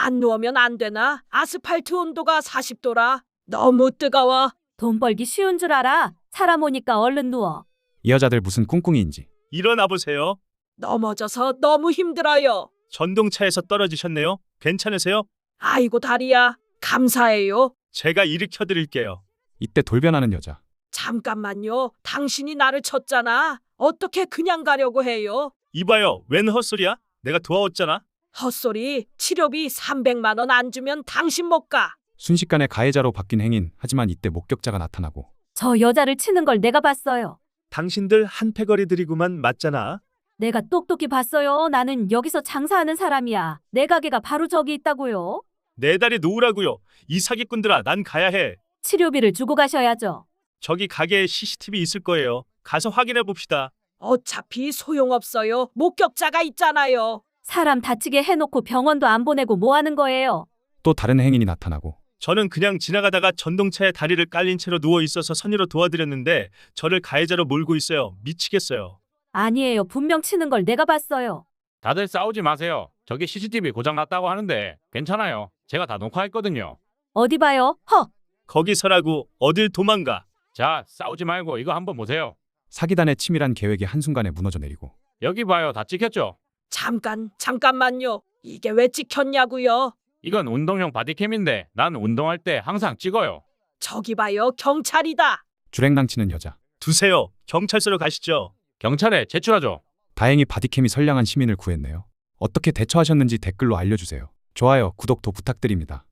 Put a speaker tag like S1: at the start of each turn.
S1: 안 누우면 안 되나? 아스팔트 온도가 40도라. 너무 뜨거워.
S2: 돈 벌기 쉬운 줄 알아? 사람 오니까 얼른 누워.
S3: 이 여자들 무슨 꿍꿍이인지.
S4: 일어나 보세요.
S1: 넘어져서 너무 힘들어요.
S4: 전동차에서 떨어지셨네요. 괜찮으세요?
S1: 아이고 다리야. 감사해요.
S4: 제가 일으켜 드릴게요.
S3: 이때 돌변하는 여자.
S1: 잠깐만요. 당신이 나를 쳤잖아. 어떻게 그냥 가려고 해요?
S4: 이봐요. 웬 헛소리야? 내가 도와왔잖아.
S1: 헛소리. 치료비 300만 원 안 주면 당신 못 가.
S3: 순식간에 가해자로 바뀐 행인. 하지만 이때 목격자가 나타나고.
S2: 저 여자를 치는 걸 내가 봤어요.
S4: 당신들 한패거리들이구만. 맞잖아.
S2: 내가 똑똑히 봤어요. 나는 여기서 장사하는 사람이야. 내 가게가 바로 저기 있다고요.
S4: 내 다리 놓으라고요. 이 사기꾼들아, 난 가야 해.
S2: 치료비를 주고 가셔야죠.
S4: 저기 가게에 CCTV 있을 거예요. 가서 확인해 봅시다.
S1: 어차피 소용없어요. 목격자가 있잖아요.
S2: 사람 다치게 해놓고 병원도 안 보내고 뭐 하는 거예요?
S3: 또 다른 행인이 나타나고.
S4: 저는 그냥 지나가다가 전동차에 다리를 깔린 채로 누워 있어서 선의로 도와드렸는데 저를 가해자로 몰고 있어요. 미치겠어요.
S2: 아니에요. 분명 치는 걸 내가 봤어요.
S5: 다들 싸우지 마세요. 저기 CCTV 고장 났다고 하는데 괜찮아요. 제가 다 녹화했거든요.
S2: 어디 봐요?
S4: 거기 서라고. 어딜 도망가.
S5: 자, 싸우지 말고 이거 한번 보세요.
S3: 사기단의 치밀한 계획이 한순간에 무너져 내리고.
S5: 여기 봐요. 다 찍혔죠?
S1: 잠깐만요. 이게 왜 찍혔냐고요?
S5: 이건 운동용 바디캠인데 난 운동할 때 항상 찍어요.
S1: 저기 봐요. 경찰이다.
S3: 주랭랑치는 여자.
S4: 두세요. 경찰서로 가시죠.
S5: 경찰에 제출하죠.
S3: 다행히 바디캠이 선량한 시민을 구했네요. 어떻게 대처하셨는지 댓글로 알려주세요. 좋아요, 구독도 부탁드립니다.